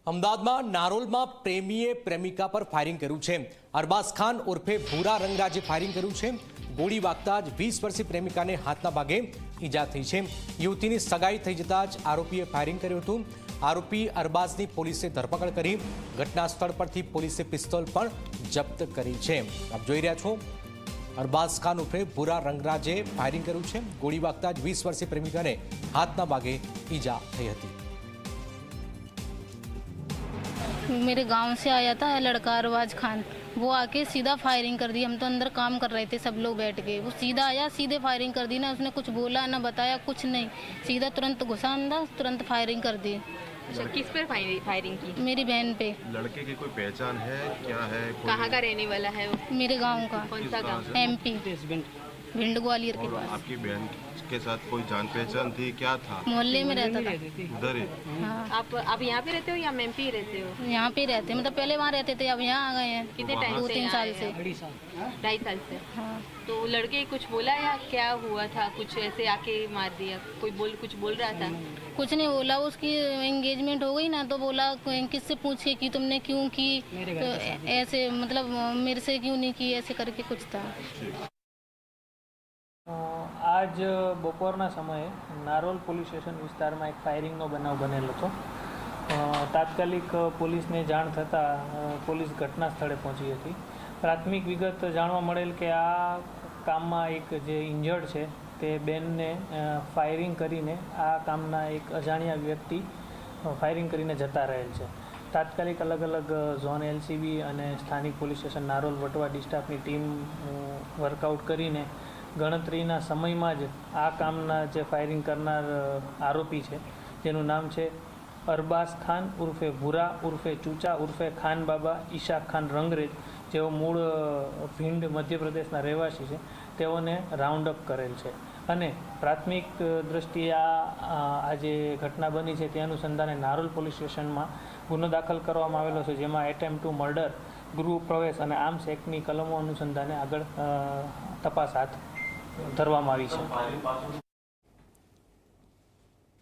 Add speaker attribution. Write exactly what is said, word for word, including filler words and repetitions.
Speaker 1: અમદાવાદમાં નારોલમાં પ્રેમીએ પ્રેમિકા પર ફાયરિંગ કર્યું છે। અરબાઝ ખાન ઉર્ફે ભૂરા રંગરાજે ફાયરિંગ કર્યું છે। ગોળી વાગતા જ વીસ વર્ષીય પ્રેમિકાને હાથના ભાગે ઈજા થઈ છે। યુવતીની સગાઈ થઈ જતા જ આરોપીએ ફાયરિંગ કર્યું હતું। આરોપી અરબાઝની પોલીસે ધરપકડ કરી। ઘટના સ્થળ પરથી પોલીસે પિસ્તોલ પણ જપ્ત કરી છે। આપ જોઈ રહ્યા છો અરબાઝ ખાન ઉર્ફે ભૂરા રંગરાજે ફાયરિંગ કર્યું છે। ગોળી વાગતા જ વીસ વર્ષીય પ્રેમિકાને હાથના ભાગે ઈજા થઈ હતી।
Speaker 2: मेरे गांव से आया था लड़का अरबाज खान, वो आके सीधा फायरिंग कर दी। हम तो अंदर काम कर रहे थे, सब लोग बैठ के, वो सीधा आया सीधे फायरिंग कर दी। ना उसने कुछ बोला ना बताया, कुछ नहीं, सीधा तुरंत घुसा अंदर, तुरंत फायरिंग कर दी।
Speaker 3: अच्छा, किस पर फायरिंग की?
Speaker 2: मेरी बहन पे।
Speaker 4: लड़के की कोई पहचान है क्या है?
Speaker 3: कहाँ का रहने वाला है वो?
Speaker 2: मेरे गाँव का।
Speaker 3: कौन सा गाँव?
Speaker 2: एमपी, भिंड ग्वालियर के पास।
Speaker 4: आपकी बहन के साथ कोई जान पहचान थी, क्या था?
Speaker 2: मोहल्ले में रहता था।
Speaker 4: उधर ही?
Speaker 2: हाँ।
Speaker 3: आप आप यहाँ पे रहते हो या एमपी रहते हो?
Speaker 2: यहाँ पे रहते, मतलब पहले वहाँ रहते थे, अब यहाँ आ गए हैं।
Speaker 3: कितने टाइम
Speaker 2: दो
Speaker 3: से
Speaker 2: तीन
Speaker 3: यहाँ
Speaker 2: साल
Speaker 3: आए
Speaker 2: से।
Speaker 3: हैं? ढाई साल से।
Speaker 2: हाँ।
Speaker 3: तो लड़के कुछ बोला या क्या हुआ था? कुछ ऐसे आके मार दिया? कोई बोल कुछ बोल रहा था?
Speaker 2: कुछ नहीं बोला। उसकी एंगेजमेंट हो गई ना, तो बोला किससे पूछे कि तुमने क्यों की, तो ऐसे मतलब मेरे से क्यों नहीं की, ऐसे करके कुछ था।
Speaker 5: आज બપોરના સમયે નારોલ પોલીસ સ્ટેશન વિસ્તારમાં એક ફાયરિંગનો બનાવ બનેલો હતો। તાત્કાલિક પોલીસને જાણ થતાં પોલીસ ઘટના સ્થળે પહોંચી હતી। પ્રાથમિક વિગત જાણવા મળેલ કે આ કામમાં એક જે ઇન્જર્ડ છે તે બેનને ફાયરિંગ કરીને આ કામના એક અજાણ્યા વ્યક્તિ ફાયરિંગ કરીને જતા રહેલ છે। તાત્કાલિક અલગ અલગ ઝોન એલસીબી અને સ્થાનિક પોલીસ સ્ટેશન નારોલ વટવા ડિસ્ટાફની ટીમ વર્કઆઉટ કરીને ગણતરીના સમયમાં જ આ કામના જે ફાયરિંગ કરનાર આરોપી છે જેનું નામ છે અરબાઝ ખાન ઉર્ફે ભૂરા ઉર્ફે ચૂચા ઉર્ફે ખાન બાબા ઈશાક ખાન રંગરેજ, જેઓ મૂળ ભીંડ મધ્યપ્રદેશના રહેવાસી છે, તેઓને રાઉન્ડ અપ કરેલ છે। અને પ્રાથમિક દ્રષ્ટિએ આ આ જે ઘટના બની છે તે અનુસંધાને નારોલ પોલીસ સ્ટેશનમાં ગુનો દાખલ કરવામાં આવેલો છે, જેમાં એટેમ્પ ટુ મર્ડર, ગૃહ પ્રવેશ અને આર્મ્સ એક્ટની કલમો અનુસંધાને આગળ તપાસ હાથ ધરવામાં આવી છે।